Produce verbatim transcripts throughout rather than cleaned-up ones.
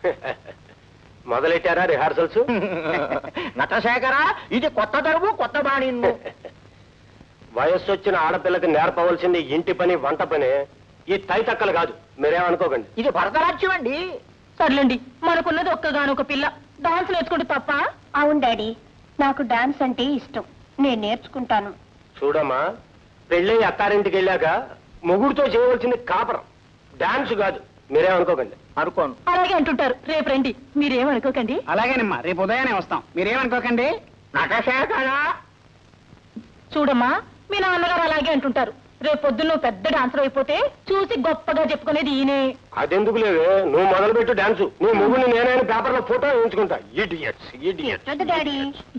మొదలెట్టారా rehearsals? Natasekhara, ఇది కొత్త దరువు, కొత్త బాణి. వయస్సు వచ్చిన ఆడపిల్లకి నేర్పవలసింది ఇంటి పని, వంట పని. ఈ తైతక్కలు కాదు, మీరేమనుకోకండి. ఇది భరతనాట్యం అండి. సర్లేండి, మనకున్నది ఒక్కగానొక పిల్ల. డాన్స్ నేర్చుకుంటే తప్ప? అవును డాడీ, నాకు డాన్స్ అంటే ఇష్టం, నేను నేర్చుకుంటాను. చూడమ్మా, పెళ్ళి అత్తారింటికి వెళ్ళాక మొగుడుతో చేయవలసింది కాపరం, డాన్స్ కాదు. మీరేమనుకోకండి. అనుకోను. అలాగే అంటుంటారు. రేపు రండి, మీరేమనుకోకండి. అలాగేనమ్మా, రేపు ఉదయాన్నే వస్తాం, మీరేమనుకోకండి. నటశేఖర, చూడమ్మా, మీ నాన్నగారు అలాగే అంటుంటారు. రేపు పొద్దున్న పెద్ద డాన్సర్ అయిపోతే చూసి గొప్పగా చెప్పుకునేది ఈయనే. అదెందుకు లేవే, నువ్వు మొదలు పెట్టు డాన్స్. నీ మొగుడిని నేనైనా పేపర్ లో ఫోటో వేయించుకుంటా. Idiots, idiots. వద్దు డాడీ.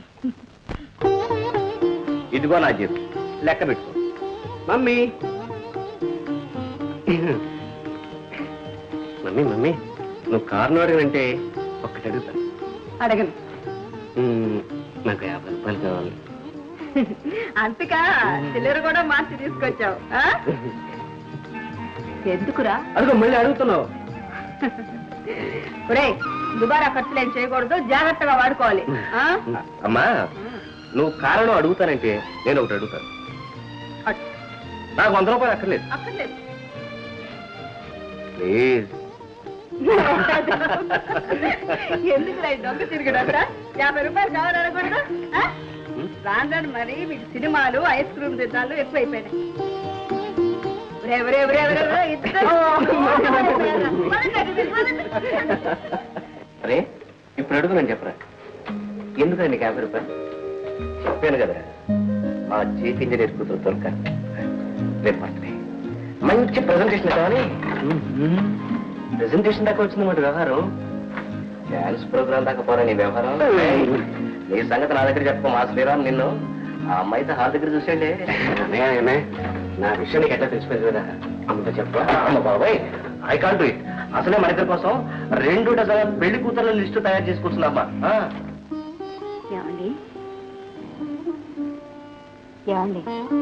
ఇదిగో నా జీతం, లెక్క పెట్టుకో. మమ్మీ మమ్మీ మమ్మీ నువ్వు కారును అడగనంటే ఒక్కటి అడుగుతా. అడగను. నాకు యాభై రూపాయలు కావాలి. అంతకా చిల్లర కూడా మార్చి తీసుకొచ్చావు. ఎందుకురా? అదిగో మళ్ళీ అడుగుతున్నావు. ఒరే, దుబారా ఖర్చులు ఏం చేయకూడదు, జాగ్రత్తగా వాడుకోవాలి. అమ్మా, నువ్వు కారణం అడుగుతానంటే నేను ఒకటి అడుగుతాను. నాకు వంద రూపాయలు అక్కర్లేదు. అక్కర్లేదు. ప్లీజ్. ఎందుకు దొంగ తిరిగిడా? యాభై రూపాయలు కావాలనకూడదు. రాందని మరి మీకు సినిమాలు, ఐస్ క్రీమ్ తిన్నాలు ఎక్కువైపోయినాయి. అరే, ఇప్పుడు అడుగునని చెప్పరా, ఎందుకండి నీకు యాభై రూపాయలు? చెప్పాను కదా, మా చీఫ్ ఇంజనీర్ కూతురు తొలక రేపు బర్త్డే. మంచి ప్రెజెంటేషన్ కావాలి. ప్రెజెంటేషన్ దాకా వచ్చిందన్నమాట వ్యవహారం. డాన్స్ ప్రోగ్రామ్ దాకా పోరా నీ వ్యవహారం. నీ సంగతి నా దగ్గర చెప్పు. మా శ్రీరామ్ నిన్ను ఆ అమ్మాయితో హాల్ దగ్గర చూసేయండి. నా విషయం నీకు ఎట్లా తెలిసిపోయింది కదా, అమ్మతో చెప్పా. అమ్మ బాబాయ్, ఐ కాంట్ డూ ఇట్. అసలే మన ఇద్దరి కోసం రెండు డజన్ పెళ్లి కూతుర్ల లిస్టు తయారు చేసుకుంటున్నామ్మా. ఏమండి ఏమండి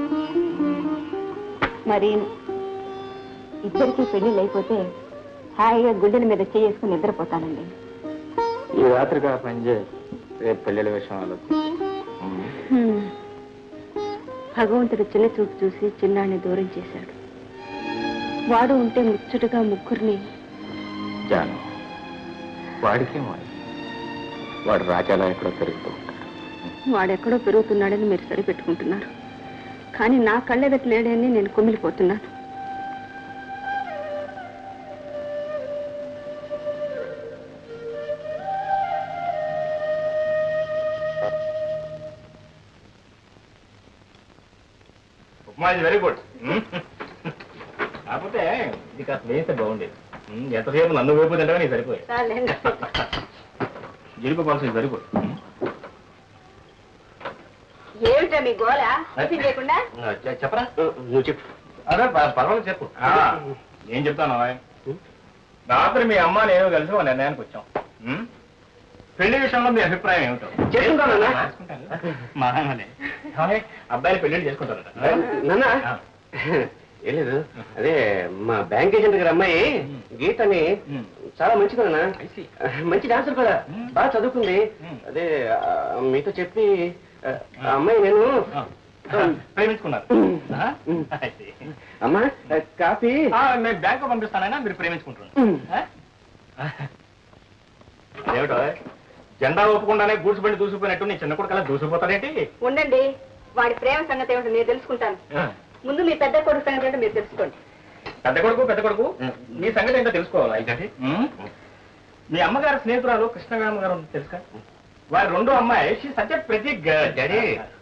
మరి ఇద్దరికి పెళ్లిళ్ళు అయిపోతే హాయిగా గుండెల మీద చేసుకుని నిద్రపోతానండి. ఈ రాత్రిగా పనిచేయ, రేపు పెళ్లిళ్ళ విషయం ఆలోచించి. భగవంతుడు చిన్న చూపు చూసి చిన్నాన్ని దూరం చేశాడు. వాడు ఉంటే ముచ్చటగా ముగ్గురిని. జాను, వాడికేమో వాడు రాజాలా ఎక్కడో పెరుగుతూ ఉంటాడు. వాడెక్కడో పెరుగుతున్నాడని మీరు సరిపెట్టుకుంటున్నారు, కానీ నా కళ్ళెదట లేడని నేను కుమిలిపోతున్నాను. Very good. కాకపోతే ఇది కాస్త వేస్తే బాగుండేది. ఎంతసేపు నన్ను వైపు తింటే నీకు సరిపోయి జీడిపోవాల్సింది. Very good. ఏమిటా మీ గోళ లేకుండా? చెప్పరా, నువ్వు చెప్పు. అదే పర్వాలేదు చెప్పు. ఏం చెప్తాను, రాత్రి మీ అమ్మ నేను కలిసి ఒక నిర్ణయానికి వచ్చాం. పెళ్లి విషయంలో మీ అభిప్రాయం ఏమిటో? చేసుకుంటాను. అబ్బాయిని పెళ్లి చేసుకుంటారట. ఏం లేదు, అదే మా బ్యాంక్ ఏజెంట్ గారి అమ్మాయి గీతని చాలా మంచిదన్నా, మంచి డాన్సర్ కూడా, బాగా చదువుకుంది. అదే మీతో చెప్పి అమ్మాయి నేను ప్రేమించుకున్నారు. అమ్మా కాఫీ నేను బ్యాంక్ పంపిస్తానైనా మీరు ప్రేమించుకుంటున్నారు. ఏమిటో జెండా ఒప్పుకుండానే గూడ్చుబండి దూసిపోయినట్టు నీ చిన్న కొడుకు అలా దూసిపోతాడేంటి? ఉండండి, వాడి ప్రేమ సంగతి ఏమిటో నేను తెలుసుకుంటాను. ముందు మీ పెద్ద కొడుకు సంగతి ఏంటో మీరు తెలుసుకోండి. పెద్ద కొడుకు పెద్ద కొడుకు మీ సంగతి ఏంటో తెలుసుకోవాలి. అయితే మీ అమ్మగారు స్నేహితురాలు కృష్ణగామ గారు తెలుసా? వారి రెండో అమ్మాయి సత్య ప్రతి డాడీ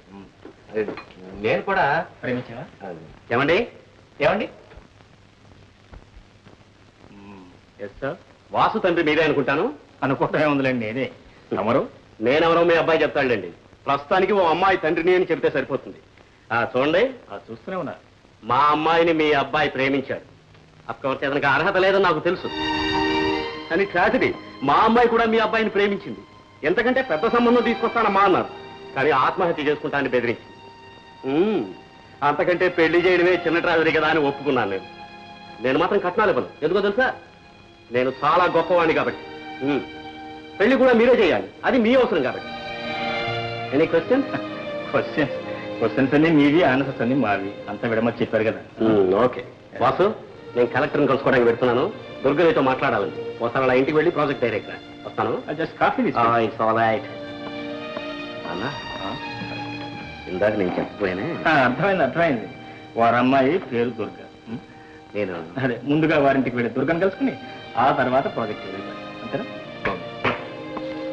నేను కూడా ప్రేమించావా? ఏమండి ఏమండి ఎస్ సార్, వాసు తండ్రి మీరే అనుకుంటాను. అనుకోవటమే ఉందిలేండి, నేనే. ఎవరు? నేనెవరో మీ అబ్బాయి చెప్తాడండి. ప్రస్తుతానికి ఓ అమ్మాయి తండ్రిని అని చెప్తే సరిపోతుంది. చూడండి, చూస్తూనే ఉన్నా, మా అమ్మాయిని మీ అబ్బాయి ప్రేమించాడు. అఫ్కోర్స్ అతనికి అర్హత లేదని నాకు తెలుసు, కానీ ట్రాజడీ మా అమ్మాయి కూడా మీ అబ్బాయిని ప్రేమించింది. ఎంతకంటే పెద్ద సంబంధం తీసుకొస్తానమ్మా అన్నారు, కానీ ఆత్మహత్య చేసుకుంటానని బెదిరించింది. అంతకంటే పెళ్లి చేయడమే చిన్న ట్రాజడీ కదా అని ఒప్పుకున్నాను. నేను నేను మాత్రం కట్నాలు ఇవ్వను. ఎందుకో తెలుసా? నేను చాలా గొప్పవాణ్ణి కాబట్టి. ఉమ్. పెళ్లి కూడా మీరే చేయాలి, అది మీ అవసరం కాబట్టి. Any question? క్వశ్చన్స్ క్వశ్చన్స్ అన్ని మీవి, ఆన్సర్స్ అన్ని మావి. అంతా విడమని చెప్పారు కదా. ఓకే వాసు, నేను కలెక్టర్ని కలుసుకోవడానికి పెడుతున్నాను. దుర్గనితో మాట్లాడాలని. ఒకసారి అలా ఇంటికి వెళ్ళి ప్రాజెక్ట్ డైరెక్టర్ వస్తాను. Just coffee it's all right. అన్నా, ఇందాక నేను చెప్పిపోయానే, అర్థమైంది అర్థమైంది. వారి అమ్మాయి పేరు దుర్గ. ఉం? నేను అదే ముందుగా వారింటికి వెళ్ళి దుర్గను కలుసుకుని ఆ తర్వాత ప్రాజెక్ట్ అంతేనా?